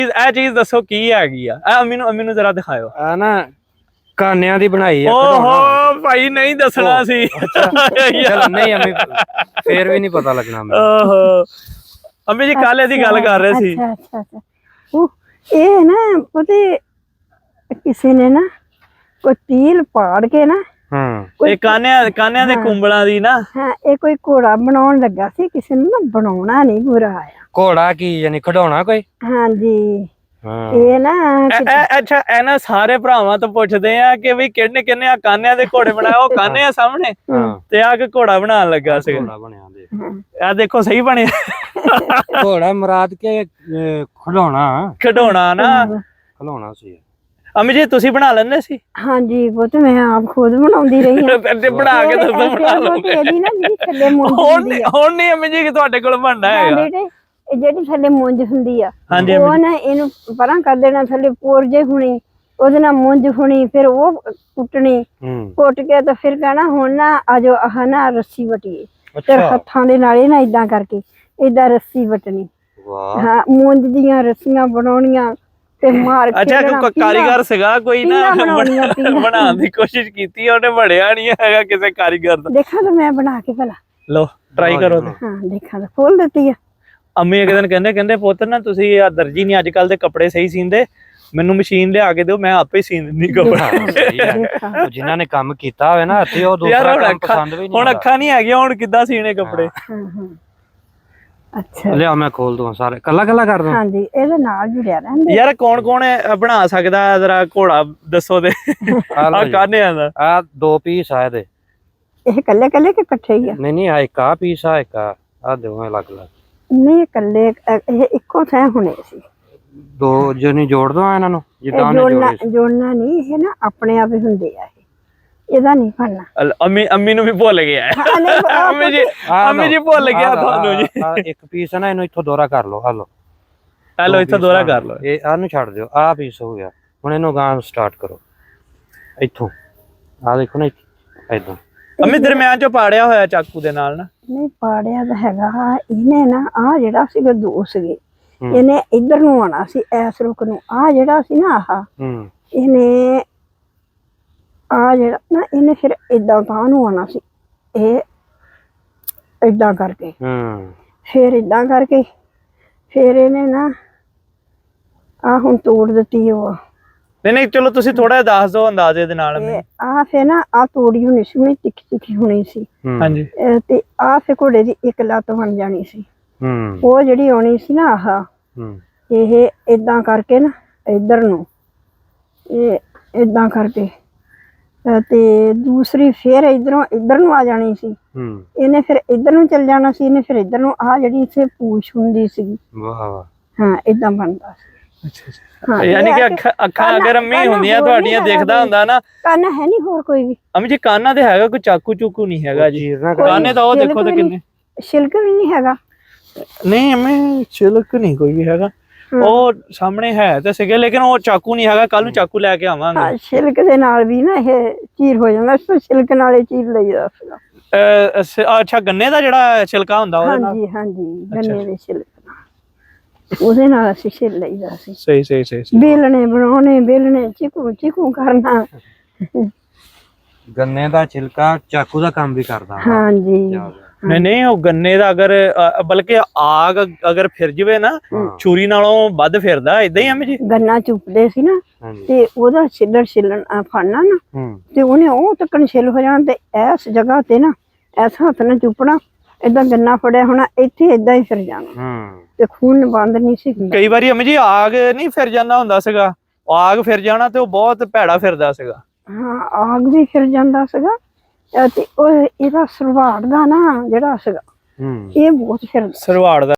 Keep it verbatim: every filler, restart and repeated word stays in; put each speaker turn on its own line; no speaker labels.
ਇਹ ਚੀਜ਼ ਦੱਸੋ ਕੀ ਹੈਗੀ ਆ? ਇਹ ਅਮੀ ਨੂੰ ਅਮੀ ਨੂੰ ਜ਼ਰਾ ਦਿਖਾਓ।
ਆ ਨਾ ਕਾਨਿਆਂ ਦੀ ਬਣਾਈ ਆ।
ਓਹੋ ਭਾਈ ਨਹੀਂ ਦੱਸਣਾ ਸੀ।
ਚਲ ਨਹੀਂ ਅਮੀ ਫੇਰ ਵੀ ਨਹੀਂ ਪਤਾ ਲੱਗਣਾ ਮੈਨੂੰ।
ਓਹੋ ਅਮੀ ਜੀ ਕੱਲ ਇਹਦੀ ਗੱਲ ਕਰ ਰਹੇ ਸੀ।
ਅੱਛਾ ਅੱਛਾ ਅੱਛਾ ਉਹ ਇਹ ਨਾ ਪਤੇ ਕਿਸੇ ਨੇ ਨਾ ਕੋਈ ਤੀਲ ਪਾੜ ਕੇ ਨਾ
ਹੂੰ
ਇਹ ਕਾਨਿਆਂ ਕਾਨਿਆਂ ਦੇ ਕੁੰਬਲਾਂ ਦੀ ਨਾ
ਹਾਂ ਇਹ ਕੋਈ ਘੋੜਾ ਬਣਾਉਣ ਲੱਗਾ ਸੀ, ਕਿਸੇ ਨੂੰ ਨਾ ਬਣਾਉਣਾ ਨਹੀਂ ਪੂਰਾ ਆਇਆ।
ਘੋੜਾ ਕੀ ਯਾਨੀ ਖਡਾਉਣਾ ਕੋਈ?
ਹਾਂਜੀ
ਹਾਂ
ਇਹ ਨਾ
ਅੱਛਾ ਇਹ ਨਾ ਸਾਰੇ ਭਰਾਵਾਂ ਤੋਂ ਪੁੱਛਦੇ ਆ ਕਿ ਵੀ ਕਿਹਨੇ ਕਿਹਨੇ ਆ ਕਾਨਿਆਂ ਦੇ ਘੋੜੇ ਬਣਾਏ? ਉਹ ਕਾਨੇ ਆ ਸਾਹਮਣੇ ਤੇ ਆ ਕੇ ਘੋੜਾ ਬਣਾਉਣ ਲੱਗਾ ਸੀ।
ਘੋੜਾ ਬਣਿਆ ਦੇ
ਆ ਦੇਖੋ ਸਹੀ ਬਣਿਆ।
ਘੋੜਾ ਮੁਰਾਦ ਕੇ ਖਡਾਉਣਾ
ਖਡਾਉਣਾ ਨਾ
ਖਲਾਉਣਾ ਸੀ।
ਅਮੀ ਜੀ ਤੁਸੀਂ ਬਣਾ ਲੈਂਦੇ ਸੀ?
ਹਾਂਜੀ ਉਹ ਤੇ ਮੈਂ ਆਪ ਖੁਦ ਬਣਾਉਂਦੀ ਰਹੀ ਹਾਂ।
ਤੇ ਬਣਾ ਕੇ ਦੱਸੋ ਬਣਾ ਲਓਗੇ।
ਇਹਦੀ ਨਾ ਜਿਹੜੀ ਥੱਲੇ ਮੁੰਜ
ਹੁਣ
ਹੁੰਦੀ ਆ
ਹੁਣ ਨਹੀਂ ਅਮੀ ਜੀ ਕਿ ਤੁਹਾਡੇ ਕੋਲ ਬਣਨਾ ਹੈਗਾ।
ਇਹ ਜਿਹੜੀ ਥੱਲੇ ਮੁੰਜ ਹੁੰਦੀ ਆ
ਹਾਂਜੀ
ਉਹ ਨਾ ਇਹਨੂੰ ਪਰਾਂ ਕਰ ਦੇਣਾ, ਥੱਲੇ ਪੋਰ ਜੇ ਹੁਣੀ ਉਹਦੇ ਨਾਲ ਮੁੰਜ ਹੁਣੀ, ਫਿਰ ਉਹ ਕੁੱਟਣੀ, ਕੁੱਟ ਕੇ ਤਾਂ ਫਿਰ ਕਹਿਣਾ ਹੁਣ ਨਾ ਆਜੋ ਆਹ ਨਾ ਰੱਸੀ ਵਟੀਏ। ਫਿਰ ਹੱਥਾਂ ਦੇ ਨਾਲ ਨਾ ਇਦਾਂ ਕਰਕੇ ਏਦਾਂ ਰੱਸੀ ਵਟਣੀ। ਹਾਂ ਮੁੰਜ ਦੀਆਂ ਰੱਸੀਆਂ ਬਣਾਉਣੀਆਂ ਤੇ ਮਾਰ ਕੇ।
ਅੱਛਾ ਕੋਈ ਕਾਰੀਗਰ ਸੀਗਾ ਕੋਈ ਨਾ ਬਣਾਉਣ ਦੀ ਕੋਸ਼ਿਸ਼ ਕੀਤੀ, ਉਹਨੇ ਬਣਿਆ ਨਹੀਂ ਹੈਗਾ ਕਿਸੇ ਕਾਰੀਗਰ ਦਾ।
ਦੇਖਾਂ ਤਾਂ ਮੈਂ ਬਣਾ ਕੇ ਭਲਾ।
ਲੋ ਟਰਾਈ ਕਰੋ।
ਹਾਂ ਦੇਖਾਂ ਤਾਂ ਖੋਲ ਦਿੱਤੀ ਆ।
ਅੰਮੀ ਇੱਕ ਦਿਨ ਕਹਿੰਦੇ ਕਹਿੰਦੇ ਪੁੱਤ ਨਾ ਤੁਸੀਂ ਆ ਦਰਜੀ ਨਹੀਂ ਅੱਜ ਕੱਲ ਦੇ ਕੱਪੜੇ ਸਹੀ ਸੀਂਦੇ, ਮੈਨੂੰ ਮਸ਼ੀਨ ਲਿਆ ਕੇ ਦਿਓ, ਮੈਂ ਆਪੇ ਹੀ ਸੀਨ ਦਿੰਦੀ ਕੱਪੜੇ।
ਜਿਨ੍ਹਾਂ ਨੇ ਕੰਮ ਕੀਤਾ ਹੋਵੇ ਨਾ ਇੱਥੇ ਉਹ ਦੂਸਰਾ ਕੰਮ ਪਸੰਦ ਵੀ ਨਹੀਂ।
ਹੁਣ ਅੱਖਾਂ ਨਹੀਂ ਹੈਗੀਆਂ, ਹੁਣ ਕਿੱਦਾਂ ਸੀਨੇ ਕੱਪੜੇ?
ਅੱਛਾ
ਲਿਆ ਮੈਂ ਖੋਲ ਦੂੰ ਸਾਰੇ ਕੱਲਾ ਕੱਲਾ ਕਰ ਦੂੰ।
ਹਾਂਜੀ ਇਹਦੇ ਨਾਲ ਜੁੜਿਆ ਰਹਿੰਦੇ।
ਯਾਰ ਕੌਣ ਕੌਣ ਬਣਾ ਸਕਦਾ ਜਰਾ ਘੋੜਾ ਦੱਸੋ ਤੇ ਆ ਕਾਨਿਆਂ ਦਾ? ਆ
ਦੋ ਪੀਸ ਆ ਇਹਦੇ।
ਇਹ ਕੱਲੇ ਕੱਲੇ ਕਿ ਇਕੱਠੇ ਹੀ ਆ?
ਨਹੀਂ ਨਹੀਂ ਆ ਇੱਕ ਆ ਪੀਸ ਆ ਇੱਕ ਆ ਆ ਦੋਵੇਂ ਅਲੱਗ ਅਲੱਗ
ਨਹੀਂ ਕੱਲੇ ਇਹ ਇੱਕੋ ਥਾਂ ਹੋਣੇ ਸੀ।
ਦੋ ਜਣੀ ਜੋੜ ਦੋ ਇਹਨਾਂ ਨੂੰ ਜਿੱਦਾਂ ਉਹਨੇ
ਜੋੜਨਾ ਜੋੜਨਾ ਨਹੀਂ, ਇਹ ਨਾ ਆਪਣੇ ਆਪ ਹੀ ਹੁੰਦੇ ਆ। ਇਹਦਾ ਨਹੀਂ ਬਣਨਾ।
ਅੰਮੀ ਅੰਮੀ ਨੂੰ ਵੀ ਭੁੱਲ ਗਿਆ ਅੰਮੀ ਜੀ, ਅੰਮੀ ਜੀ ਭੁੱਲ ਗਿਆ ਤੁਹਾਨੂੰ ਜੀ।
ਇੱਕ ਪੀਸ ਹੈ ਨਾ, ਇਹਨੂੰ ਇੱਥੋਂ ਦੋਹਰਾ ਕਰ ਲਓ। ਹਲੋ
ਹਲੋ ਇੱਥੋਂ ਦੋਹਰਾ ਕਰ ਲਓ।
ਇਹ ਆਹ ਨੂੰ ਛੱਡ ਦਿਓ, ਆਹ ਪੀਸ ਹੋ ਗਿਆ। ਹੁਣ ਇਹਨੂੰ ਗਾਂ ਸਟਾਰਟ ਕਰੋ ਇੱਥੋਂ। ਆਹ ਦੇਖੋ ਨਾ ਏਦਾਂ। ਅੰਮੀ ਦਰਮਿਆਨ ਚੋਂ ਪਾੜਿਆ ਹੋਇਆ ਚਾਕੂ ਦੇ ਨਾਲ ਨਾ? ਨਹੀਂ
ਪਾੜਿਆ ਤਾਂ ਹੈਗਾ। ਇਹਨੇ ਨਾ ਆਹ ਜਿਹੜਾ ਸੀਗਾ ਦੋ ਸੀਗੇ, ਇਹਨੇ ਇੱਧਰ ਨੂੰ ਆਉਣਾ ਸੀ ਐਸ ਰੁਕ ਨੂੰ। ਆਹ ਜਿਹੜਾ ਸੀ ਨਾ ਆਹ ਇਹਨੇ ਆ ਜਿਹੜਾ ਨਾ ਇਹਨੇ ਫਿਰ ਏਦਾਂ ਤਾਂ ਨੂੰ ਆਉਣਾ ਸੀ। ਇਹ ਏਦਾਂ ਕਰਕੇ ਫਿਰ ਏਦਾਂ ਕਰਕੇ ਫਿਰ ਇਹਨੇ ਨਾ ਆ ਹੁਣ ਤੋੜ ਦਿੱਤੀ ਉਹ।
ਨਹੀਂ ਨਹੀਂ ਚਲੋ ਤੁਸੀਂ ਥੋੜਾ ਦੱਸ ਦਿਓ ਅੰਦਾਜ਼ੇ ਦੇ ਨਾਲ।
ਆ ਫਿਰ ਨਾ ਆ ਤੋੜੀ ਹੋਣੀ ਸੀ, ਉਹਨੇ ਤਿੱਖੀ ਤਿੱਖੀ ਹੋਣੀ ਸੀ।
ਹਾਂਜੀ
ਤੇ ਆ ਫਿਰ ਘੋੜੇ ਦੀ ਇੱਕ ਲੱਤ ਬਣ ਜਾਣੀ ਸੀ। ਉਹ ਜਿਹੜੀ ਆਉਣੀ ਸੀ ਨਾ ਆਹ ਇਹ ਏਦਾਂ ਕਰਕੇ ਨਾ ਇੱਧਰ ਨੂੰ ਇਹ ਏਦਾਂ ਕਰਕੇ ਤੇ ਦੂਸਰੀ ਫਿਰ ਇਧਰੋਂ ਇੱਧਰ ਨੂੰ ਆ ਜਾਣੀ ਸੀ। ਇਹਨੇ ਫਿਰ ਇੱਧਰ ਨੂੰ ਚੱਲ ਜਾਣਾ ਸੀ। ਇਹਨੇ ਫਿਰ ਇੱਧਰ ਨੂੰ ਆ ਜਿਹੜੀ ਇੱਥੇ ਪੂਛ ਹੁੰਦੀ ਸੀ।
ਵਾਹ ਵਾਹ
ਹਾਂ ਏਦਾਂ ਬਣਦਾ ਸੀ।
ਅੱਛਾ ਅੱਛਾ ਯਾਨੀ ਕਿ ਅੱਖਾਂ ਅੱਖਾਂ ਅਗਰ ਅੰਮੀ ਹੁੰਦੀਆਂ ਤੁਹਾਡੀਆਂ ਦੇਖਦਾ ਹੁੰਦਾ ਨਾ।
ਕੰਨ ਹੈ ਨਹੀਂ ਹੋਰ ਕੋਈ ਵੀ?
ਅੰਮੀ ਜੀ ਕਾਨਾਂ ਤੇ ਹੈਗਾ ਕੋਈ ਚਾਕੂ ਚੂਕੂ ਨਹੀਂ ਹੈਗਾ ਜੀ? ਕਾਨੇ ਤਾਂ ਉਹ ਦੇਖੋ ਤੇ ਕਿੰਨੇ।
ਛਿਲਕ ਵੀ ਨਹੀਂ ਹੈਗਾ?
ਨਹੀਂ ਅੰਮੀ ਛਿਲਕ ਨਹੀਂ ਕੋਈ ਵੀ ਹੈਗਾ। ਉਹ ਸਾਹਮਣੇ ਹੈ ਤੇ ਸੀਗੇ ਲੇਕਿਨ ਉਹ ਚਾਕੂ ਨਹੀਂ ਹੈਗਾ। ਕੱਲ ਨੂੰ ਚਾਕੂ ਲੈ ਕੇ ਆਵਾਂਗੇ।
ਛਿਲਕ ਦੇ ਨਾਲ ਵੀ ਨਾ ਇਹ ਚੀਰ ਹੋ ਜਾਂਦਾ, ਛਿਲਕ ਨਾਲ ਹੀ ਚੀਰ ਲਈਦਾ ਸੀਗਾ।
ਅੱਛਾ ਗੰਨੇ ਦਾ ਜਿਹੜਾ ਛਿਲਕਾ ਹੁੰਦਾ ਉਹਦੇ ਨਾਲ?
ਹਾਂਜੀ ਹਾਂਜੀ ਗੰਨੇ ਦੇ ਛਿਲਕ ਉਹਦੇ ਨਾਲ ਅਸੀਂ ਛਿੱਲ ਲਈਦਾ ਸੀ।
ਸਹੀ ਸਹੀ ਸਹੀ।
ਬੇਲਣੇ ਬਣਾਉਣੇ, ਬੇਲਣੇ ਚੀਕੂ ਚੀਕੂ ਕਰਨਾ।
ਗੰਨੇ ਦਾ ਛਿਲਕਾ ਚਾਕੂ ਦਾ ਕੰਮ ਵੀ ਕਰਦਾ।
ਹਾਂਜੀ
ਨਹੀਂ ਨਹੀਂ ਉਹ ਗੰਨੇ ਦਾ ਅਗਰ ਬਲਕਿ ਆਗ ਅਗਰ ਫਿਰ ਜਵੇ ਨਾ ਛੁਰੀ ਨਾਲੋਂ ਵੱਧ ਫਿਰਦਾ। ਏਦਾਂ ਹੀ ਆ ਜੀ
ਗੰਨਾ ਚੁੱਪਦੇ ਸੀ ਨਾ ਤੇ ਉਹਦਾ ਛਿੱਲੜ ਛਿੱਲਣ ਫੜਨਾ ਨਾ ਤੇ ਉਹਨੇ ਉਹ ਤੱਕਣ ਛਿੱਲ ਹੋ ਜਾਣਾ ਤੇ ਇਸ ਜਗ੍ਹਾ ਤੇ ਨਾ ਇਸ ਹੱਥ ਨਾਲ ਚੁੱਪਣਾ। ਏਦਾਂ ਗੰਨਾ ਫੜਿਆ ਹੋਣਾ, ਇੱਥੇ ਏਦਾਂ ਹੀ ਫਿਰ ਜਾਣਾ ਤੇ ਖੂਨ ਬੰਦ ਨਹੀਂ ਸੀ।
ਕਈ ਵਾਰੀ ਅੰਮੀ ਜੀ ਆਗ ਨਹੀਂ ਫਿਰ ਜਾਂਦਾ ਹੁੰਦਾ ਸੀਗਾ, ਆਗ ਫਿਰ ਜਾਣਾ ਤੇ ਉਹ ਬਹੁਤ ਭੈੜਾ ਫਿਰਦਾ ਸੀਗਾ।
ਹਾਂ ਆਗ ਵੀ ਫਿਰ ਜਾਂਦਾ ਸੀਗਾ ਤੇ ਉਹ ਇਹਦਾ ਸਰਵਾੜ ਦਾ ਨਾ ਜਿਹੜਾ ਸੀਗਾ ਇਹ ਬਹੁਤ ਫਿਰ
ਸਰਵਾੜ ਦਾ